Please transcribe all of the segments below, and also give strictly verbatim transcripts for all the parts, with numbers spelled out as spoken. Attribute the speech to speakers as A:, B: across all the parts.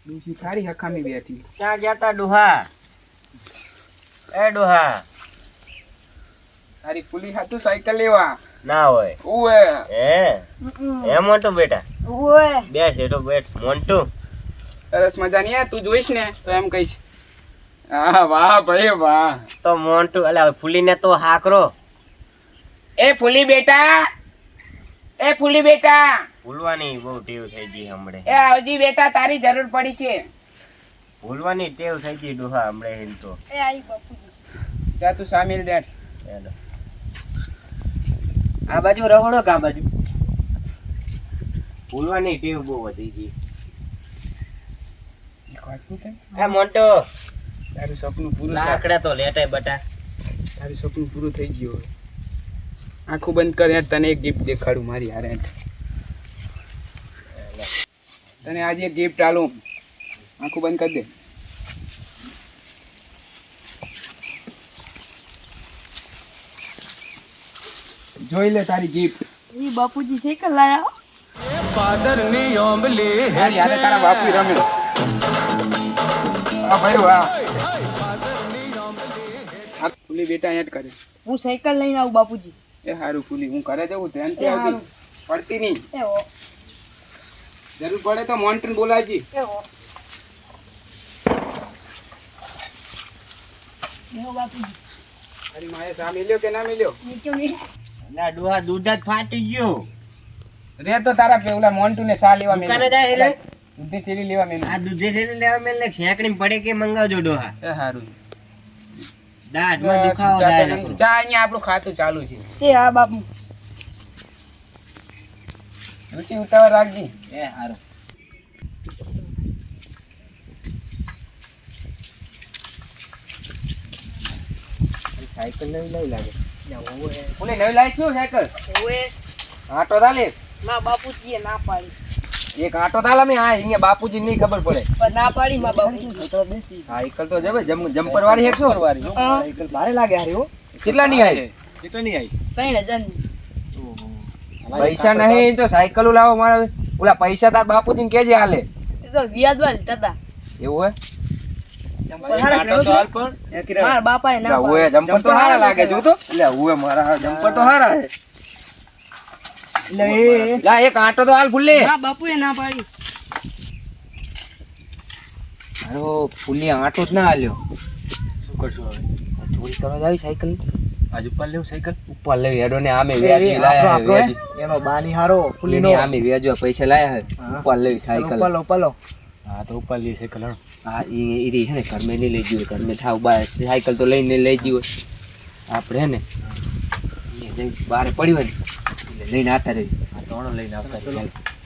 A: ડોશી થારી હખામી બેઠી.
B: ક્યાં ગયા તા ડોહા? એ ડોહા
A: તારી પુલી હાથું સાયકલ લેવા
B: ના હોય.
A: ઓએ
B: હે હે મોટો બેટા
C: ઓય
B: બેસ એટો બેઠ મોન્ટુ.
A: સરસ મજાની આ તું જોઈશ ને તો એમ કહીશ હા વાહ ભાઈ વાહ.
B: તો મોન્ટુ અલા ફૂલીને તો હાકરો.
A: એ ફૂલી બેટા, એ ફૂલી બેટા,
B: ભૂલવાની બહુ ટેવ થઈ ગઈ હમણે.
A: એ આવજી બેટા, તારી જરૂર પડી છે.
B: ભૂલવાની ટેવ થઈ ગઈ ડોહા હમણે હિલ તો.
C: એ આઈ બાપુજી.
A: જા તું સામેલ બેઠ.
B: હેલો આ બાજુ રહોડો કા બાજુ. ભૂલવાની ટેવ બહુ વધી ગઈ. એ મોન્ટો
A: તારું સપનું પૂરું થાય.
B: લાકડા તો લેટાય બટા.
A: તારું સપનું પૂરું થઈ ગયું હવે. આંખું બંધ કર યાર, તને એક ગિફ્ટ દેખાડું મારી હારે. તને આજે એક ગિફ્ટ આલું. આંખું બંધ કરી દે. જોઈ લે તારી ગિફ્ટ.
C: ઈ બાપુજી સાયકલ લાયા.
A: મારી હારે તારા બાપુ રમે. હા ભાઈ વાહ. આ ફૂલી બેટા હેડ કરે.
C: હું સાયકલ લઈને આવું બાપુજી.
A: એ હારું ફૂલી, હું કરે જવું ધ્યાનથી
C: એ
A: આવતી.
C: હારું.
A: પડતી નહીં.
C: એ હો
A: જરૂર પડે તો મોન્ટન બોલાવજી.
C: એ હો એવો બાપુજી.
A: તારી માએ સા મિલ્યો કે ના મિલ્યો?
C: નીચે ની
B: ના ડોહા દૂધ જ ફાટી ગયું.
A: રે તો તારા પેલા મોન્ટુ ને સા લેવા
B: દુકાને જાય એટલે?
A: દૂધની થેલી લેવા મેં.
B: આ દૂધે થઈને લેવા મેલ ને છેકડી પડે કે મંગાવજો ડોહા.
A: એ હારું.
B: દાઢમાં દુખાવો થાય નકરો.
A: ચા અહીંયા આપણું ખાતું ચાલુ છે.
C: એ હા બાપુ.
A: ઋષિ ઉતાવળ રાખજી.
B: એ હારું. સાયકલ નવી લઈ લાગે.
A: ઓલે નવી લાઈ છું સાયકલ.
C: ઓએ
A: આટો તાલે.
C: માં બાપુજીએ ના પાડી.
A: એક આટો તાલા મે આ અહીંયા બાપુજી ની ખબર પડે.
C: પણ ના પાડી માં બાપુજી.
A: સાયકલ તો જવે જમ્પર વાળી એકસો વાળી.
C: હા
A: સાયકલ ભારે લાગે હારી હો. કેટલા ની આવી? કેટલા ની આવી?
C: ત્રણ હજાર ની.
A: પૈસા નહીં તો સાયકલ લાવો મારા. ઓલા પૈસા તાર બાપુજી ને કેજે હાલે.
C: એ તો વ્યાજવા લીધા હતા.
A: એવું હે?
C: મારા બાપાએ ના
A: ઓએ
C: પાડી.
A: જમ્પર તો હારા લાગે જો તો. એટલે ઓએ મારા જમ્પર તો હારા હે. લા એક આટો તો હાલ ફૂલે.
C: મારા બાપુએ ના પાડી.
A: હારો ફૂલી આટો જ ના હાલ્યો. શું કરશું હવે? ચોરી કરવા જાવી સાયકલ. આજ ઉપર લેવું સાયકલ. ઉપર લેવી હેડો ને આમે વ્યાજી લાયા હે વ્યાજી.
D: એનો બાની હારો ફૂલીનો
A: આમે વ્યાજો પૈસા લાયા હે. ઉપર લેવી સાયકલ.
D: પલો પલો
A: હા તો ઉપર લી સાયકલ હા. હા ઈ ઈ હે ને ઘર મે લઈ જીવો ઘર મે થાવ બાર સાયકલ તો લઈને લઈ જીવો. આપણે હે ને એ જઈ બારે પડી હોય ને એટલે લઈને આવતા રહી. આ તોણો લઈને આવતા રહી.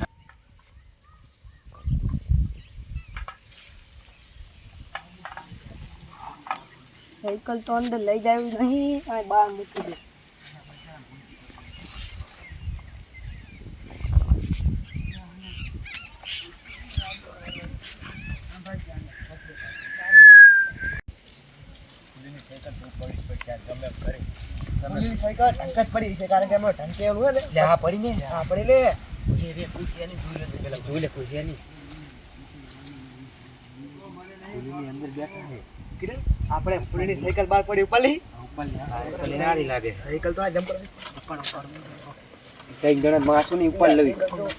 C: સાયકલ તો અંદર લઈ જાવી નહીં અને બહાર મૂકી દે.
D: ફૂલીની સાયકલ ઢંક જ પડી છે કારણ કે એમાં ઢંકેલું હોય ને
A: લે આ પડી ને
D: આ પડી લે
A: એ રે કુતિયાની જોઈ લે પેલા જોઈ લે કુતિયાની. ફૂલીની અંદર બેઠા હે.
D: કિરણ આપણે ફૂલીની સાયકલ બહાર પડી ઉપરલી
A: ઉપર લે નારી લાગે.
D: સાયકલ તો આ જમ્પર
A: કઈ ગણ માસુ ની ઉપર લેવી.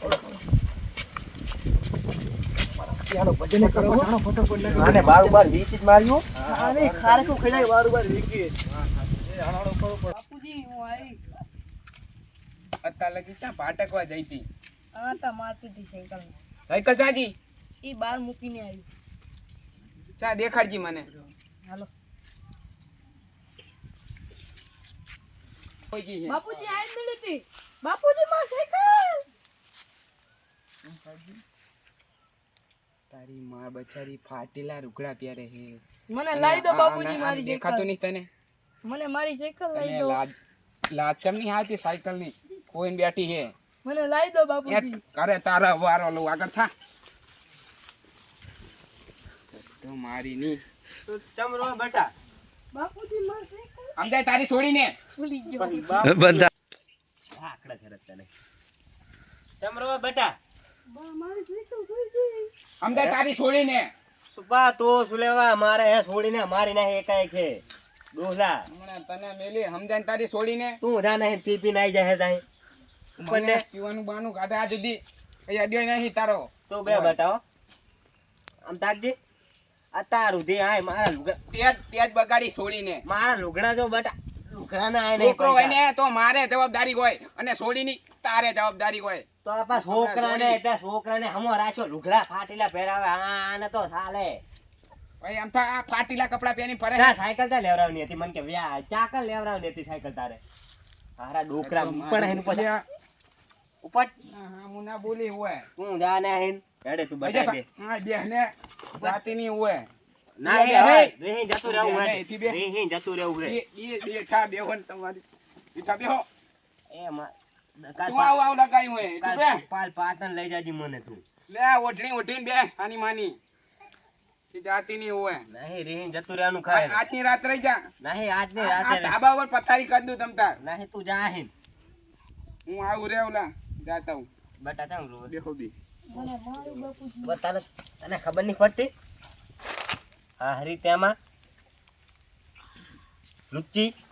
D: ચાલો ભજન કરો ચાલો ફટાફટ લગાવો
A: આને બાર બાર વીચ જ માર્યું.
D: આને ખારકો ખેડાય બાર બાર વીકી
C: બાપુજી હું આવી.
A: અત્યાર લગી ચા પાટકવા જઈતી.
C: આ તા મારતી હતી સાયકલ.
A: સાયકલ ચાજી
C: એ બહાર મૂકીને આવી.
A: ચા દેખાડજી મને.
C: હાલો
A: ઓજી હે.
C: બાપુજી આઈ મિલી હતી. બાપુજી માર સાયકલ.
A: તારી માં બચારી ફાટેલા રૂગડા પ્યારે હે.
C: મને લાવી દો બાપુજી
A: આ- આ
C: મારી
A: દેખાતું
C: સાયકલ.
A: નહીં તને?
C: મને મારી સાયકલ લઈ
A: તને
C: દો.
A: લાજ લાચમ ની હાથી સાયકલ ની કોઈને બેઠી હે.
C: મને લાવી દો
A: એ
C: બાપુજી.
A: કરે તારા વારો લો આગળ થા. તો મારી ની
B: ચમરો બેટા.
C: બાપુજી માર સાયકલ
A: આમ જાય તારી છોડીને.
C: ભૂલી ગયો.
B: આકડા ખરત તને. ચમરો બેટા.
C: બા મારી સાયકલ ભૂલી ગઈ.
E: અમદાવાદ તારી છોડીને
B: સુપા તો શું લેવા મારે હે છોડીને મારી નાખી એકાએક છે ડોહલા
E: હમણાં તને મેલી સમજાય તારી છોડીને
B: તું જા નહીં પી પી નાઈ જાય તાઈ ઉપર
E: મને
B: ને
E: પીવાનું બાનું કાઢે આ જુદી કઈ અડ્યો નહીં તારો
B: તો બે બટાવો આમ તાકજી આ તારું દે આય મારા લુગડા
E: તેજ તેજ બગાડી છોડીને
B: મારા લુગડા જો બટા લુગડા ના આય નહીં
E: છોકરો હોય ને તો મારે જવાબદારી હોય અને છોડીની તારે જવાબદારી હોય
B: તો આપા છોકરાને એટલે છોકરાને હમો રાખ્યો લુગડા ફાટેલા પહેરાવે આને તો ચાલે
E: ભાઈ આમ તો આ ફાટીલા કપડા પહેરી ફરે
B: તા સાયકલ તા લેવરાવની હતી મને કે વ્યા ચાકલ લેવરાવની હતી સાયકલ તારે હારા ડોકરા ઉપર હેન પછી ઉપર
E: હા હા હું ના બોલી હોય
B: તું જા ને હેન હેડે તું બતા દે
E: હા બેહને જાતીની હોય
B: ના
E: બે,
B: એ હવે
E: બે.
B: રેહી જતું રહેવું
E: બે,
B: હે
E: એથી બે.
B: રેહી જતું રહેવું હે
E: એ એ બેઠા બેહો ને તમારી બેઠા બેહો
B: એ માં
E: તું આવ આવ લગાઈ હોય તું બે
B: પાલ પાટણ લઈ જાજી મને તું
E: લે ઓઢણી ઓઢીને બેસ આની માની એ જાતીની હોય
B: નહીં રેહી જતું રહેવાનું ખાય
E: આજની રાત રહી જા
B: નહીં આજ નહીં
E: આ
B: રાતે
E: ધાબા ઉપર પથારી કરી દઉં તમ તાર
B: નહીં તું જા હેન
E: હું આવું રે ઓલા જાતા હું
B: બટા ચામ રો
E: બેહો બી
C: મને મારું બાપુજી
B: બતાને તને ખબર નહીં પડતી હા હરી તેમાં લુચ્ચી